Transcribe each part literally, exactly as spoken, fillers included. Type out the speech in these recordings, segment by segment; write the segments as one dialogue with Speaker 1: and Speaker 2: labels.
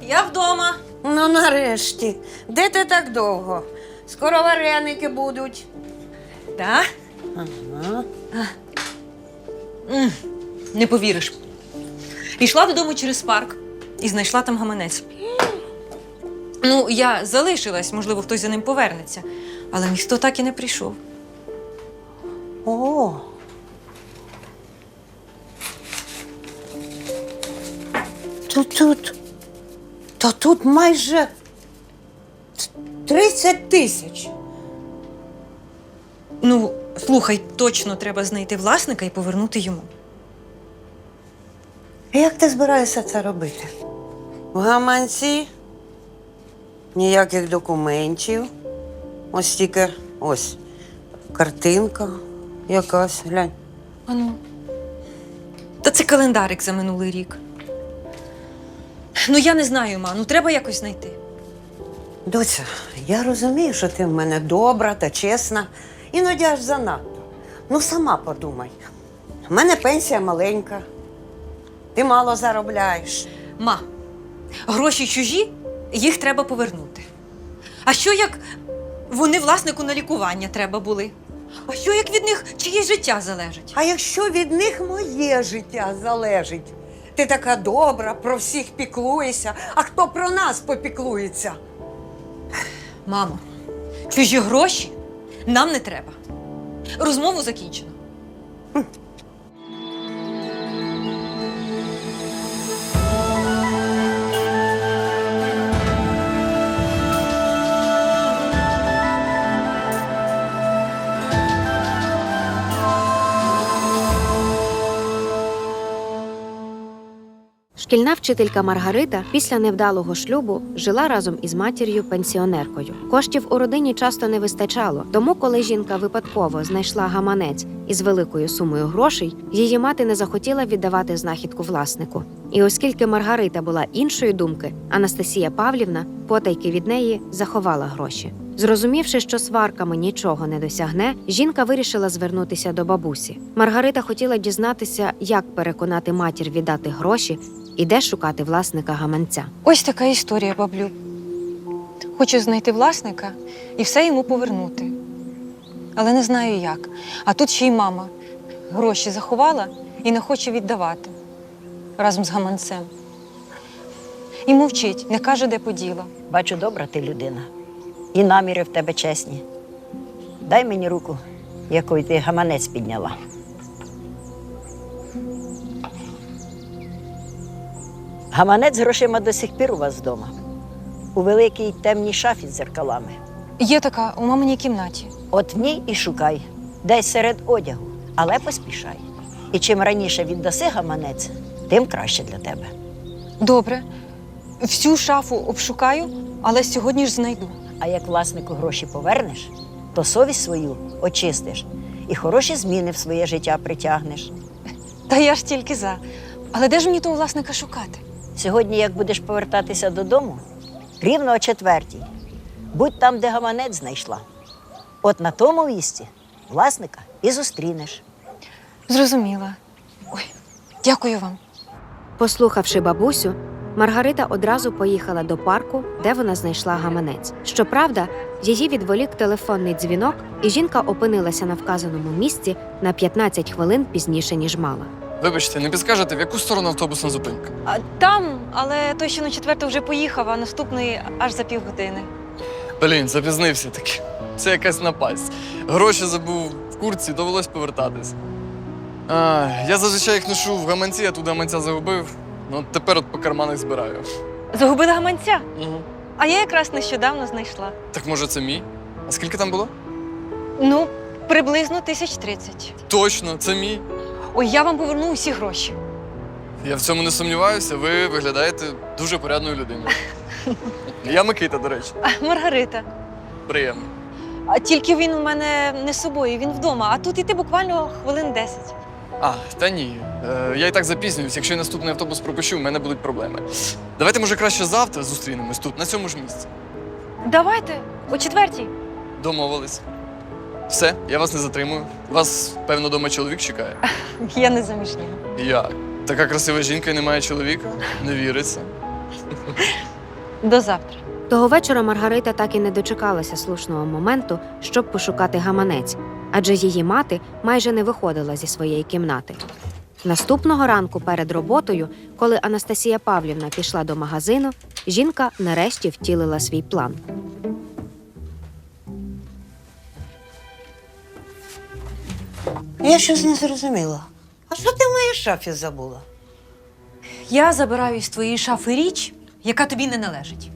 Speaker 1: я вдома.
Speaker 2: Ну, нарешті. Де ти так довго? Скоро вареники будуть.
Speaker 1: Так?
Speaker 2: Ага.
Speaker 1: М, Не повіриш. Йшла додому через парк і знайшла там гаманець. Ну, я залишилась, можливо, хтось за ним повернеться. Але ніхто так і не прийшов.
Speaker 2: О. Тут, тут. Та тут майже тридцять тисяч.
Speaker 1: Ну, слухай, точно треба знайти власника і повернути йому.
Speaker 2: Як ти збираєшся це робити? В гаманці ніяких документів. Ось тільки ось картинка якась, глянь.
Speaker 1: Ану. Та це календарик за минулий рік. Ну, я не знаю, ма, ну треба якось знайти.
Speaker 2: Доця, я розумію, що ти в мене добра та чесна, іноді аж занадто. Ну, сама подумай. У мене пенсія маленька. Ти мало заробляєш.
Speaker 1: Ма, гроші чужі, їх треба повернути. А що як вони власнику на лікування треба були? А що як від них чиєсь життя залежить?
Speaker 2: А якщо від них моє життя залежить? Ти така добра, про всіх піклуєшся, а хто про нас попіклується?
Speaker 1: Мамо, чужі гроші нам не треба. Розмову закінчено.
Speaker 3: Шкільна вчителька Маргарита після невдалого шлюбу жила разом із матір'ю-пенсіонеркою. Коштів у родині часто не вистачало, тому коли жінка випадково знайшла гаманець із великою сумою грошей, її мати не захотіла віддавати знахідку власнику. І оскільки Маргарита була іншої думки, Анастасія Павлівна потайки від неї заховала гроші. Зрозумівши, що сварками нічого не досягне, жінка вирішила звернутися до бабусі. Маргарита хотіла дізнатися, як переконати матір віддати гроші і де шукати власника гаманця.
Speaker 1: Ось така історія, баблю. Хочу знайти власника і все йому повернути. Але не знаю як. А тут ще й мама гроші заховала і не хоче віддавати разом з гаманцем. І мовчить, не каже, де поділа.
Speaker 4: Бачу, добра ти людина. І наміри в тебе чесні. Дай мені руку, якою ти гаманець підняла. Гаманець з грошима до сих пір у вас вдома. У великій темній шафі з дзеркалами.
Speaker 1: Є така у маминій кімнаті.
Speaker 4: От в ній і шукай, десь серед одягу, але поспішай. І чим раніше віддаси гаманець, тим краще для тебе.
Speaker 1: Добре. Всю шафу обшукаю, але сьогодні ж знайду.
Speaker 4: А як власнику гроші повернеш, то совість свою очистиш і хороші зміни в своє життя притягнеш.
Speaker 1: Та я ж тільки за. Але де ж мені того власника шукати?
Speaker 4: Сьогодні, як будеш повертатися додому, рівно о четвертій, будь там, де гаманець знайшла. От на тому місці власника і зустрінеш.
Speaker 1: Зрозуміла. Ой, дякую вам.
Speaker 3: Послухавши бабусю, Маргарита одразу поїхала до парку, де вона знайшла гаманець. Щоправда, її відволік телефонний дзвінок, і жінка опинилася на вказаному місці на п'ятнадцять хвилин пізніше, ніж мала.
Speaker 5: Вибачте, не підскажете, в яку сторону автобусна зупинка?
Speaker 1: А, там, але той, що на четверту вже поїхав, а наступний аж за півгодини.
Speaker 5: Блін, запізнився таки. Це якась напасть. Гроші забув в куртці, довелось повертатись. А, я зазвичай їх ношу в гаманці, я тут гаманця загубив. Ну, от тепер от по карманах збираю.
Speaker 1: Загубила гаманця?
Speaker 5: Угу.
Speaker 1: А я якраз нещодавно знайшла.
Speaker 5: Так може це мій? А скільки там було?
Speaker 1: Ну, приблизно тисяч тридцять.
Speaker 5: Точно, це мій.
Speaker 1: Ой, я вам поверну усі гроші.
Speaker 5: Я в цьому не сумніваюся, ви виглядаєте дуже порядною людиною. Я Микита, до речі.
Speaker 1: А, Маргарита.
Speaker 5: Приємно.
Speaker 1: А тільки він у мене не з собою, він вдома, а тут іти буквально хвилин десять.
Speaker 5: А, та ні. Е, я і так запізнююсь. Якщо я наступний автобус пропущу, в мене будуть проблеми. Давайте, може, краще завтра зустрінемось тут, на цьому ж місці.
Speaker 1: Давайте, о четвертій.
Speaker 5: Домовились. Все, я вас не затримую. Вас, певно, дома чоловік чекає.
Speaker 1: Я не заміжня.
Speaker 5: Як? Така красива жінка і не має чоловіка? Не віриться.
Speaker 1: До завтра.
Speaker 3: Того вечора Маргарита так і не дочекалася слушного моменту, щоб пошукати гаманець, адже її мати майже не виходила зі своєї кімнати. Наступного ранку перед роботою, коли Анастасія Павлівна пішла до магазину, жінка нарешті втілила свій план.
Speaker 2: Я щось не зрозуміла. А що ти в моїй шафі забула?
Speaker 1: Я забираю із твоєї шафи річ, яка тобі не належить.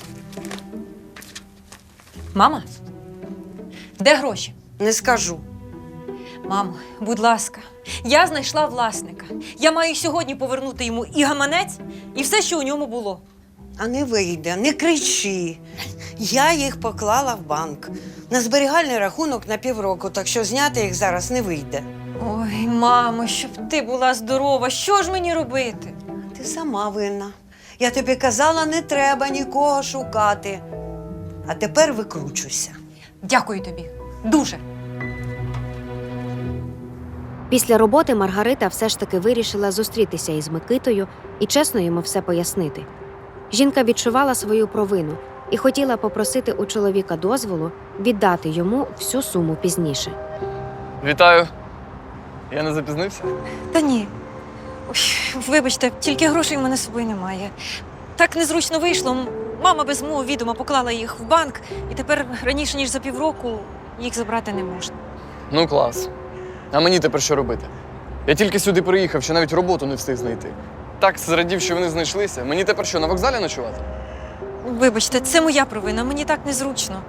Speaker 1: Мама, де гроші?
Speaker 2: Не скажу.
Speaker 1: Мамо, будь ласка, я знайшла власника. Я маю сьогодні повернути йому і гаманець, і все, що у ньому було.
Speaker 2: А не вийде, не кричи. Я їх поклала в банк. На зберігальний рахунок на півроку, так що зняти їх зараз не вийде.
Speaker 1: Ой, мамо, щоб ти була здорова, що ж мені робити?
Speaker 2: Ти сама винна. Я тобі казала, не треба нікого шукати. А тепер викручуйся.
Speaker 1: Дякую тобі. Дуже.
Speaker 3: Після роботи Маргарита все ж таки вирішила зустрітися із Микитою і чесно йому все пояснити. Жінка відчувала свою провину і хотіла попросити у чоловіка дозволу віддати йому всю суму пізніше.
Speaker 5: Вітаю. Я не запізнився?
Speaker 1: Та ні. Ой, вибачте, тільки грошей в мене з собою немає. Так незручно вийшло. М- Мама без мого відома поклала їх в банк, і тепер раніше, ніж за півроку, їх забрати не можна.
Speaker 5: Ну, клас. А мені тепер що робити? Я тільки сюди приїхав, що навіть роботу не встиг знайти. Так зрадів, що вони знайшлися. Мені тепер що, на вокзалі ночувати?
Speaker 1: Вибачте, це моя провина, мені так незручно.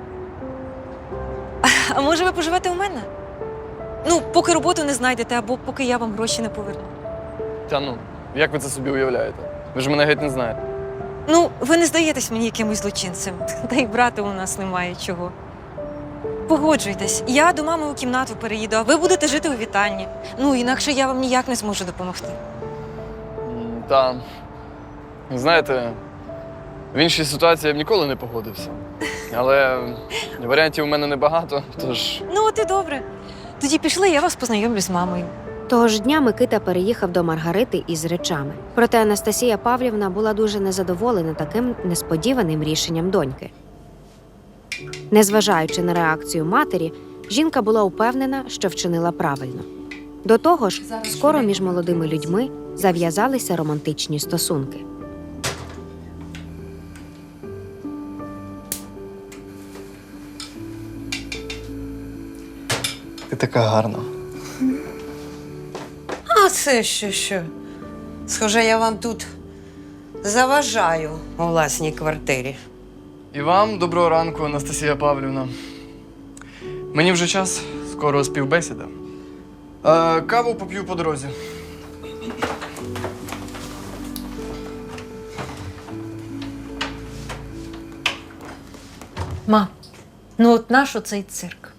Speaker 1: А, а може ви поживете у мене? Ну, поки роботу не знайдете, або поки я вам гроші не поверну.
Speaker 5: Та ну, як ви це собі уявляєте? Ви ж мене геть не знаєте.
Speaker 1: Ну, ви не здаєтесь мені якимось злочинцем. Та й брати у нас немає чого. Погоджуйтесь, я до мами у кімнату переїду, а ви будете жити у вітальні. Ну, інакше я вам ніяк не зможу допомогти.
Speaker 5: М, Та, знаєте, в іншій ситуації я б ніколи не погодився. Але варіантів у мене небагато, тож
Speaker 1: Ну, от і добре. Тоді пішли, я вас познайомлю з мамою.
Speaker 3: Того ж дня Микита переїхав до Маргарити із речами. Проте Анастасія Павлівна була дуже незадоволена таким несподіваним рішенням доньки. Незважаючи на реакцію матері, жінка була упевнена, що вчинила правильно. До того ж, скоро між молодими людьми зав'язалися романтичні стосунки.
Speaker 5: ти така гарна.
Speaker 2: А це ще що? Схоже, я вам тут заважаю у власній квартирі.
Speaker 5: І вам доброго ранку, Анастасія Павлівна. Мені вже час, скоро співбесіда. Е, каву поп'ю по дорозі.
Speaker 1: Ма, ну от наш оцей цирк.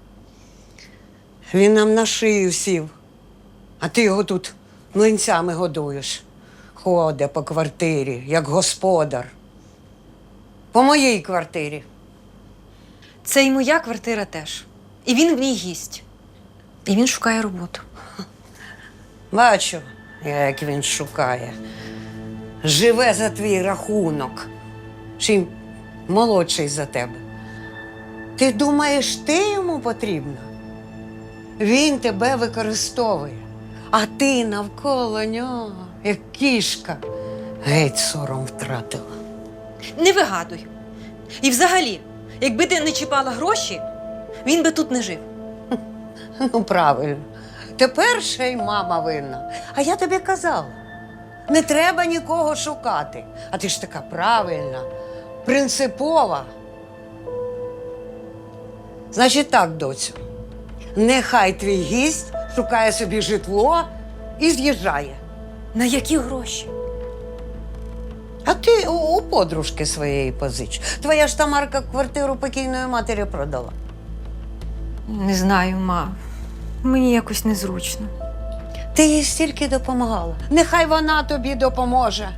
Speaker 2: Він нам на шию сів, а ти його тут млинцями годуєш. Ходе по квартирі, як господар. По моїй квартирі.
Speaker 1: Це і моя квартира теж. І він в ній гість. І він шукає роботу.
Speaker 2: Бачу, як він шукає. Живе за твій рахунок. Чим молодший за тебе. Ти думаєш, ти йому потрібна? Він тебе використовує, а ти навколо нього, як кішка, геть сором втратила.
Speaker 1: Не вигадуй. І взагалі, якби ти не чіпала гроші, він би тут не жив.
Speaker 2: Ну, правильно. Тепер ще й мама винна. А я тобі казала, не треба нікого шукати. А ти ж така правильна, принципова. Значить так, доцю, нехай твій гість шукає собі житло і з'їжджає.
Speaker 1: На які гроші?
Speaker 2: А ти у, у подружки своєї позич. Твоя ж Тамарка квартиру покійної матері продала.
Speaker 1: Не знаю, ма. Мені якось незручно.
Speaker 2: Ти їй стільки допомагала. Нехай вона тобі допоможе.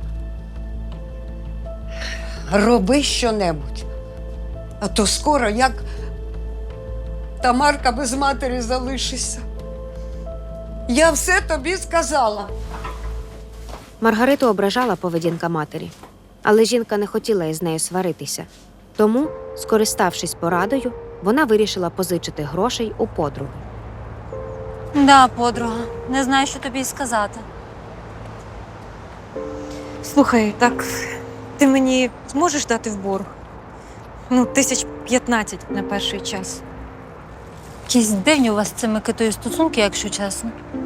Speaker 2: Роби щонебудь. А то скоро, як Тамарка без матері залишишся. Я все тобі сказала.
Speaker 3: Маргариту ображала поведінка матері. Але жінка не хотіла із нею сваритися. Тому, скориставшись порадою, вона вирішила позичити грошей у подруги.
Speaker 6: Да, подруга, не знаю, що тобі й сказати.
Speaker 1: Слухай, так ти мені зможеш дати в борг? Ну, тисяч п'ятнадцять на перший час.
Speaker 6: Якісь дивні у вас з цим Микитою стосунки, якщо чесно.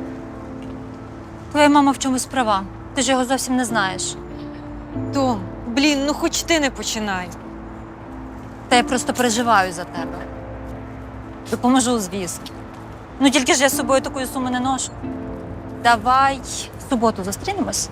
Speaker 6: Твоя мама в чомусь права. Ти ж його зовсім не знаєш.
Speaker 1: Том, блін, ну хоч ти не починай.
Speaker 6: Та я просто переживаю за тебе. Допоможу, звісно. Ну тільки ж я з собою такої суми не ношу. Давай в суботу зустрінемось.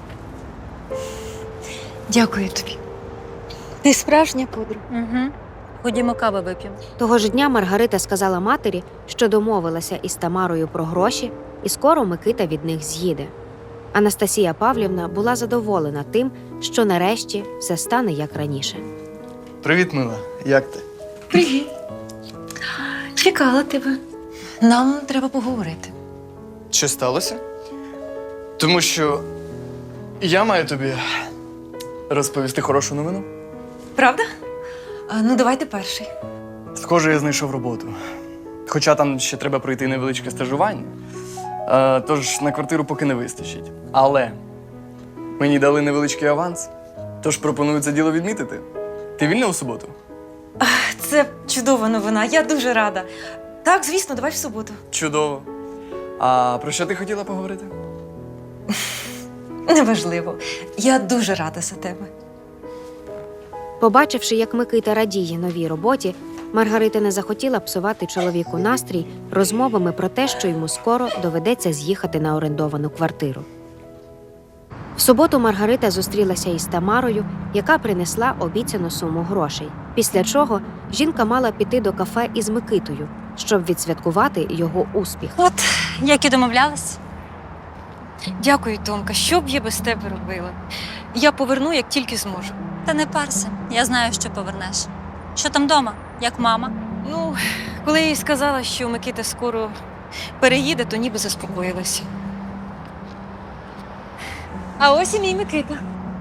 Speaker 1: Дякую тобі. Ти справжня подруга.
Speaker 6: Угу. Ходімо кави вип'ємо.
Speaker 3: Того ж дня Маргарита сказала матері, що домовилася із Тамарою про гроші, і скоро Микита від них з'їде. Анастасія Павлівна була задоволена тим, що нарешті все стане як раніше.
Speaker 5: Привіт, мила. Як ти?
Speaker 1: Привіт. Чекала тебе. Нам треба поговорити.
Speaker 5: Що сталося? Тому що я маю тобі розповісти хорошу новину.
Speaker 1: Правда? А, ну, давай ти перший.
Speaker 5: Схоже, я знайшов роботу. Хоча там ще треба пройти невеличке стажування. А, тож на квартиру поки не вистачить. Але мені дали невеличкий аванс, тож пропоную це діло відмітити. Ти вільна у суботу?
Speaker 1: Це чудова новина, я дуже рада. Так, звісно, давай в суботу.
Speaker 5: Чудово. А про що ти хотіла поговорити?
Speaker 1: Неважливо. Я дуже рада за тебе.
Speaker 3: Побачивши, як Микита радіє новій роботі, Маргарита не захотіла псувати чоловіку настрій розмовами про те, що йому скоро доведеться з'їхати на орендовану квартиру. В суботу Маргарита зустрілася із Тамарою, яка принесла обіцяну суму грошей. Після чого жінка мала піти до кафе із Микитою, щоб відсвяткувати його успіх.
Speaker 6: От, як і домовлялись.
Speaker 1: Дякую, Томка. Що б я без тебе робила? Я поверну, як тільки зможу.
Speaker 6: Та не парся, я знаю, що повернеш. Що там вдома? Як мама?
Speaker 1: Ну, коли я їй сказала, що Микита скоро переїде, то ніби заспокоїлася. А ось і мій Микита.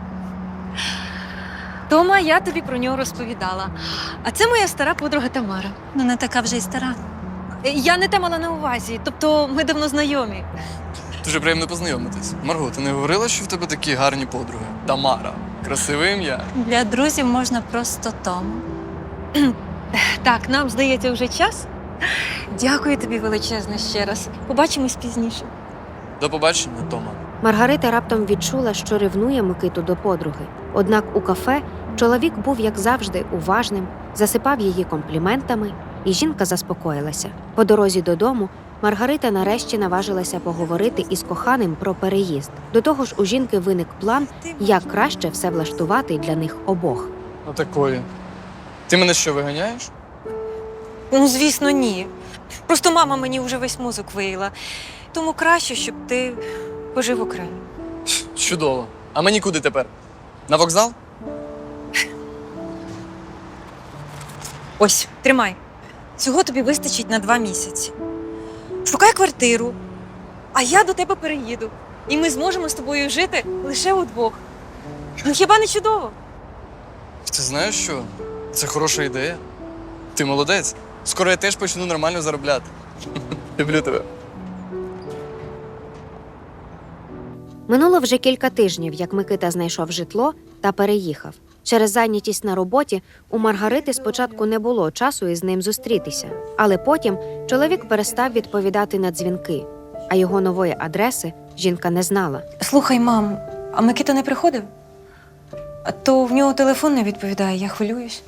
Speaker 1: Тома, я тобі про нього розповідала. А це моя стара подруга Тамара.
Speaker 6: Ну не така вже й стара.
Speaker 1: Я не те мала на увазі, тобто ми давно знайомі.
Speaker 5: Дуже приємно познайомитись. Марго, ти не говорила, що в тебе такі гарні подруги? Тамара. Красиве ім'я.
Speaker 6: Для друзів можна просто Том.
Speaker 1: Так, нам, здається, вже час. Дякую тобі величезно ще раз. Побачимось пізніше.
Speaker 5: До побачення, Тома.
Speaker 3: Маргарита раптом відчула, що ревнує Микиту до подруги. Однак у кафе чоловік був, як завжди, уважним, засипав її компліментами, і жінка заспокоїлася. По дорозі додому Маргарита нарешті наважилася поговорити із коханим про переїзд. До того ж, у жінки виник план, як краще все влаштувати для них обох.
Speaker 5: Отакої. Ти мене що, виганяєш?
Speaker 1: Ну, звісно, ні. Просто мама мені вже весь мозок виїла. Тому краще, щоб ти пожив окремо.
Speaker 5: Чудово. А мені куди тепер? На вокзал?
Speaker 1: Ось, тримай. Цього тобі вистачить на два місяці. Шукай квартиру, а я до тебе переїду. І ми зможемо з тобою жити лише удвох. Ну, хіба не чудово?
Speaker 5: Ти знаєш що? Це хороша ідея. Ти молодець. Скоро я теж почну нормально заробляти. Люблю тебе.
Speaker 3: Минуло вже кілька тижнів, як Микита знайшов житло та переїхав. Через зайнятість на роботі у Маргарити спочатку не було часу із ним зустрітися. Але потім чоловік перестав відповідати на дзвінки, а його нової адреси жінка не знала.
Speaker 1: Слухай, мам, а Микита не приходив? А то в нього телефон не відповідає, я хвилююсь.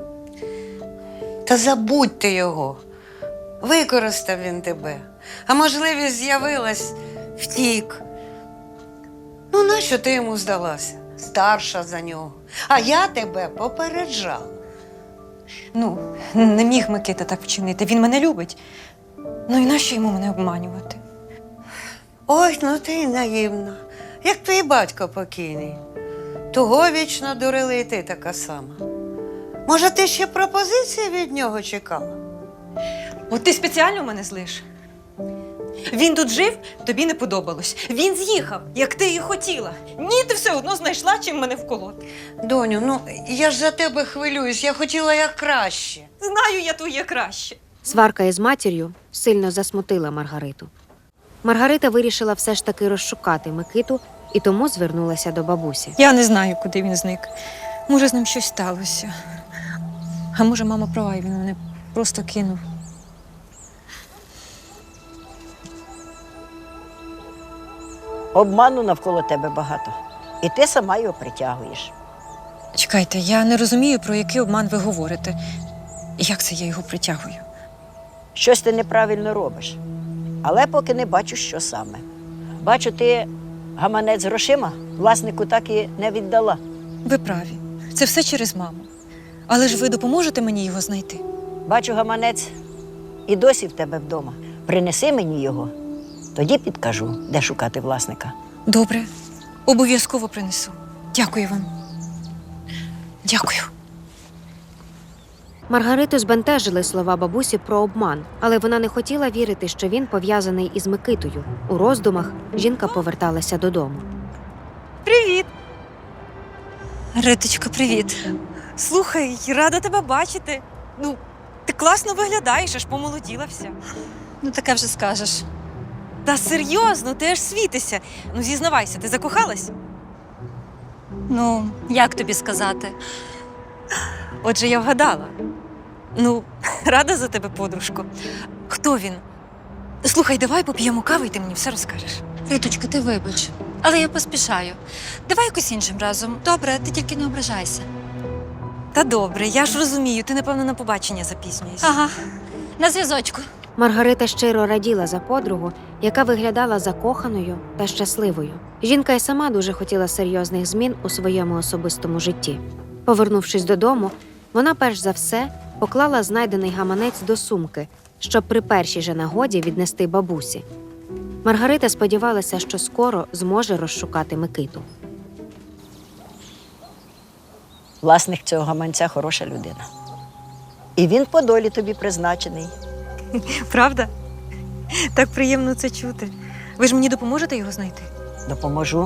Speaker 2: Та забудь ти його. Використав він тебе. А можливість з'явилась, втік. Ну, нащо ти йому здалася? Старша за нього. А я тебе попереджала.
Speaker 1: Ну, не міг Микита так вчинити, він мене любить. Ну і нащо йому мене обманювати?
Speaker 2: Ой, ну ти й наївна. Як твій батько покійний. Того вічно дурили і ти така сама. Може, ти ще пропозиції від нього чекала?
Speaker 1: От ти спеціально мене злиш? Він тут жив, тобі не подобалось. Він з'їхав, як ти і хотіла. Ні, ти все одно знайшла, чим мене вколоти.
Speaker 2: Доню, ну я ж за тебе хвилююсь, я хотіла як краще.
Speaker 1: Знаю я твоє краще.
Speaker 3: Сварка із матір'ю сильно засмутила Маргариту. Маргарита вирішила все ж таки розшукати Микиту і тому звернулася до бабусі.
Speaker 1: Я не знаю, куди він зник. Може, з ним щось сталося. А може, мама права, і він мене просто кинув.
Speaker 4: Обману навколо тебе багато. І ти сама його притягуєш.
Speaker 1: Чекайте, я не розумію, про який обман ви говорите. Як це я його притягую?
Speaker 4: Щось ти неправильно робиш. Але поки не бачу, що саме. Бачу, ти гаманець з грошима власнику так і не віддала.
Speaker 1: Ви праві. Це все через маму. Але ж ви допоможете мені його знайти?
Speaker 4: Бачу, гаманець і досі в тебе вдома. Принеси мені його, тоді підкажу, де шукати власника.
Speaker 1: Добре. Обов'язково принесу. Дякую вам. Дякую.
Speaker 3: Маргариту збентежили слова бабусі про обман, але вона не хотіла вірити, що він пов'язаний із Микитою. У роздумах жінка поверталася додому.
Speaker 1: Привіт. Риточко, привіт. Слухай, рада тебе бачити. Ну, ти класно виглядаєш, аж помолоділа вся.
Speaker 6: Ну, таке вже скажеш.
Speaker 1: Та серйозно, ти аж світишся. Ну, зізнавайся, ти закохалась?
Speaker 6: Ну, як тобі сказати?
Speaker 1: Отже, я вгадала. Ну, рада за тебе, подружко. Хто він? Слухай, давай поп'ємо кави, і ти мені все розкажеш.
Speaker 6: Риточка, ти вибач. Але я поспішаю. Давай якось іншим разом. Добре, ти тільки не ображайся.
Speaker 1: Та добре, я ж розумію, ти, напевно, на побачення запізнюєшся.
Speaker 6: Ага, на зв'язочку.
Speaker 3: Маргарита щиро раділа за подругу, яка виглядала закоханою та щасливою. Жінка й сама дуже хотіла серйозних змін у своєму особистому житті. Повернувшись додому, вона перш за все поклала знайдений гаманець до сумки, щоб при першій же нагоді віднести бабусі. Маргарита сподівалася, що скоро зможе розшукати Микиту.
Speaker 4: Власник цього гаманця хороша людина. І він по долі тобі призначений.
Speaker 1: Правда? Так приємно це чути. Ви ж мені допоможете його знайти?
Speaker 4: Допоможу.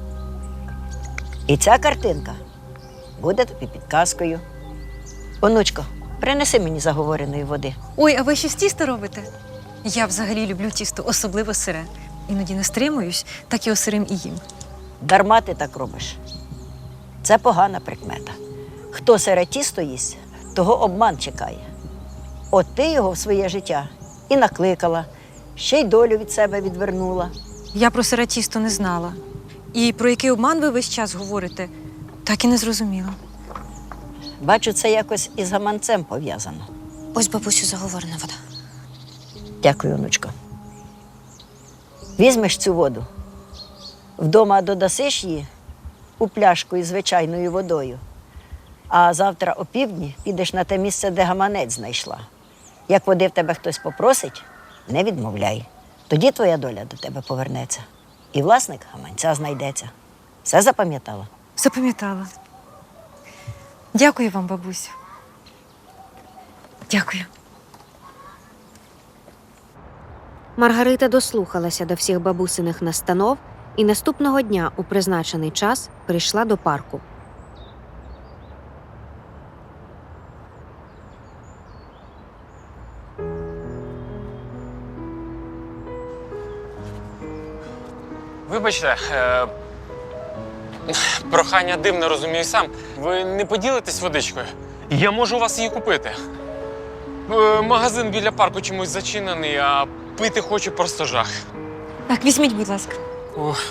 Speaker 4: І ця картинка буде тобі підказкою. Онучко, принеси мені заговореної води.
Speaker 1: Ой, а ви ще з тіста робите? Я взагалі люблю тісто, особливо сире. Іноді не стримуюсь, так і осирим і їм.
Speaker 4: Дарма ти так робиш. Це погана прикмета. Хто сире тісто їсть, того обман чекає. От ти його в своє життя і накликала, ще й долю від себе відвернула.
Speaker 1: Я про сире тісто не знала. І про який обман ви весь час говорите, так і не зрозуміла.
Speaker 4: Бачу, це якось із гаманцем пов'язано.
Speaker 6: Ось, бабусю, заговорена вода.
Speaker 4: Дякую, онучко. Візьмеш цю воду, вдома додасиш її у пляшку із звичайною водою, а завтра опівдні підеш на те місце, де гаманець знайшла. Як води в тебе хтось попросить, не відмовляй. Тоді твоя доля до тебе повернеться. І власник гаманця знайдеться. Все запам'ятала?
Speaker 1: Запам'ятала. Дякую вам, бабусю. Дякую.
Speaker 3: Маргарита дослухалася до всіх бабусиних настанов і наступного дня у призначений час прийшла до парку.
Speaker 7: Вибачте, е... прохання дивне, розумію сам. Ви не поділитесь водичкою? Я можу у вас її купити. Е, Магазин біля парку чомусь зачинений, а пити хочу просто жах.
Speaker 1: Так, візьміть, будь ласка.
Speaker 7: Ух.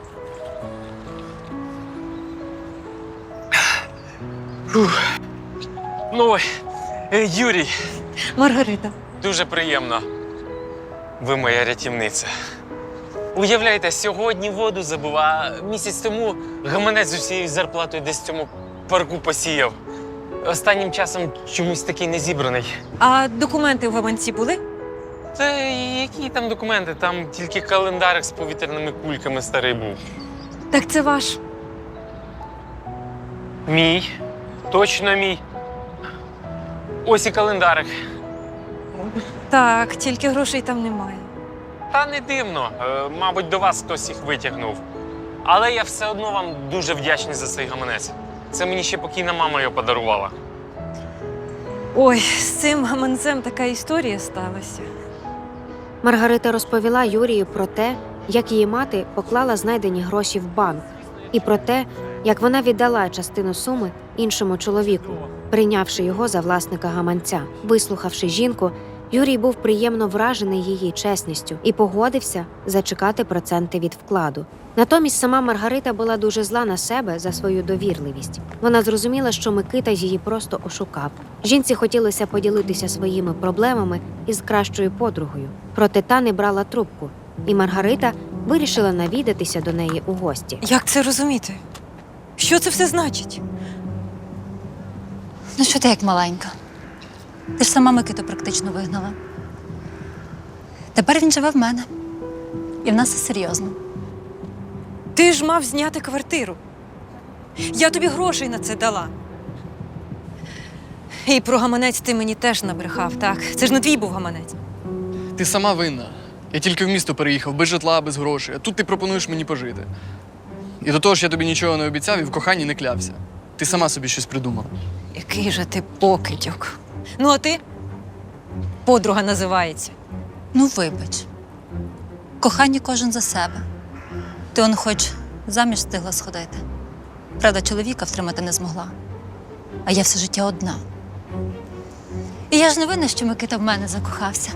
Speaker 7: Фух. Ну, ой, е, Юрій,
Speaker 1: Маргарита.
Speaker 7: дуже приємно. Ви моя рятівниця. Уявляєте, сьогодні воду забув, а місяць тому гаманець з усією зарплатою десь в цьому парку посіяв. Останнім часом чомусь такий не зібраний.
Speaker 1: А документи в гаманці були?
Speaker 7: Та які там документи? Там тільки календарик з повітряними кульками старий був.
Speaker 1: Так це ваш.
Speaker 7: Мій. Точно мій. Ось і календарик.
Speaker 1: Так, тільки грошей там немає.
Speaker 7: та не дивно. Е, мабуть, до вас хтось їх витягнув. Але я все одно вам дуже вдячний за цей гаманець. Це мені ще покійна мама його подарувала.
Speaker 1: Ой, з цим гаманцем така історія сталася.
Speaker 3: Маргарита розповіла Юрію про те, як її мати поклала знайдені гроші в банк, і про те, як вона віддала частину суми іншому чоловіку, прийнявши його за власника гаманця. Вислухавши жінку, Юрій був приємно вражений її чесністю і погодився зачекати проценти від вкладу. Натомість сама Маргарита була дуже зла на себе за свою довірливість. Вона зрозуміла, що Микита її просто ошукав. Жінці хотілося поділитися своїми проблемами із кращою подругою, проте та не брала трубку, і Маргарита вирішила навідатися до неї у гості.
Speaker 1: Як це розуміти? Що це все значить?
Speaker 6: Ну що ти як маленька? Ти ж сама Микиту практично вигнала. Тепер він живе в мене. І в нас все серйозно.
Speaker 1: Ти ж мав зняти квартиру. Я тобі грошей на це дала. І про гаманець ти мені теж набрехав, так? Це ж не твій був гаманець.
Speaker 5: Ти сама винна. Я тільки в місто переїхав, без житла, без грошей. А тут ти пропонуєш мені пожити. І до того ж я тобі нічого не обіцяв і в коханні не клявся. Ти сама собі щось придумала.
Speaker 1: Який же ти покидьок. Ну, а ти? Подруга називається.
Speaker 6: Ну, вибач. Кохання кожен за себе. Ти он хоч заміж встигла сходити. Правда, чоловіка втримати не змогла. А я все життя одна. І я ж не винна, що Микита в мене закохався.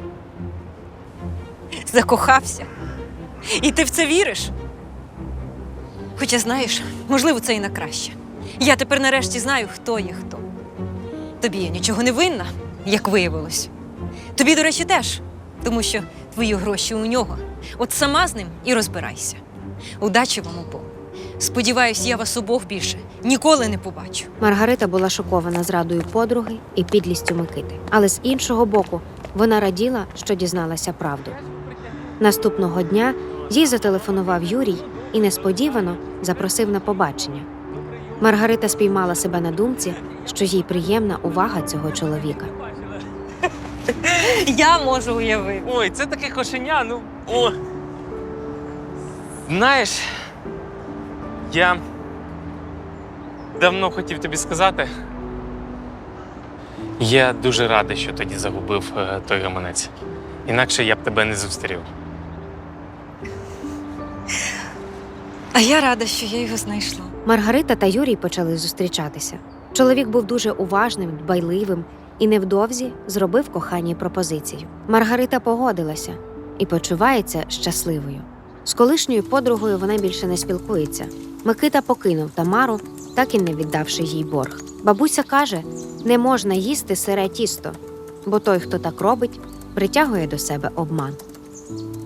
Speaker 1: Закохався. І ти в це віриш? Хоча, знаєш, можливо, це і на краще. Я тепер нарешті знаю, хто є хто. Тобі я нічого не винна, як виявилось. Тобі, до речі, теж, тому що твої гроші у нього. От сама з ним і розбирайся. Удачі вам обом. Сподіваюсь, я вас обох більше ніколи не побачу.
Speaker 3: Маргарита була шокована зрадою подруги і підлістю Микити. Але з іншого боку, вона раділа, що дізналася правду. Наступного дня їй зателефонував Юрій і несподівано запросив на побачення. Маргарита спіймала себе на думці, що їй приємна увага цього чоловіка.
Speaker 1: Я можу уявити.
Speaker 7: Ой, це таке кошеня, ну. О. Знаєш, я давно хотів тобі сказати. Я дуже радий, що тоді загубив е, той гаманець. Інакше я б тебе не зустрів.
Speaker 1: А я рада, що я його знайшла.
Speaker 3: Маргарита та Юрій почали зустрічатися. Чоловік був дуже уважним, дбайливим і невдовзі зробив коханій пропозицію. Маргарита погодилася і почувається щасливою. З колишньою подругою вона більше не спілкується. Микита покинув Тамару, так і не віддавши їй борг. Бабуся каже, не можна їсти сире тісто, бо той, хто так робить, притягує до себе обман.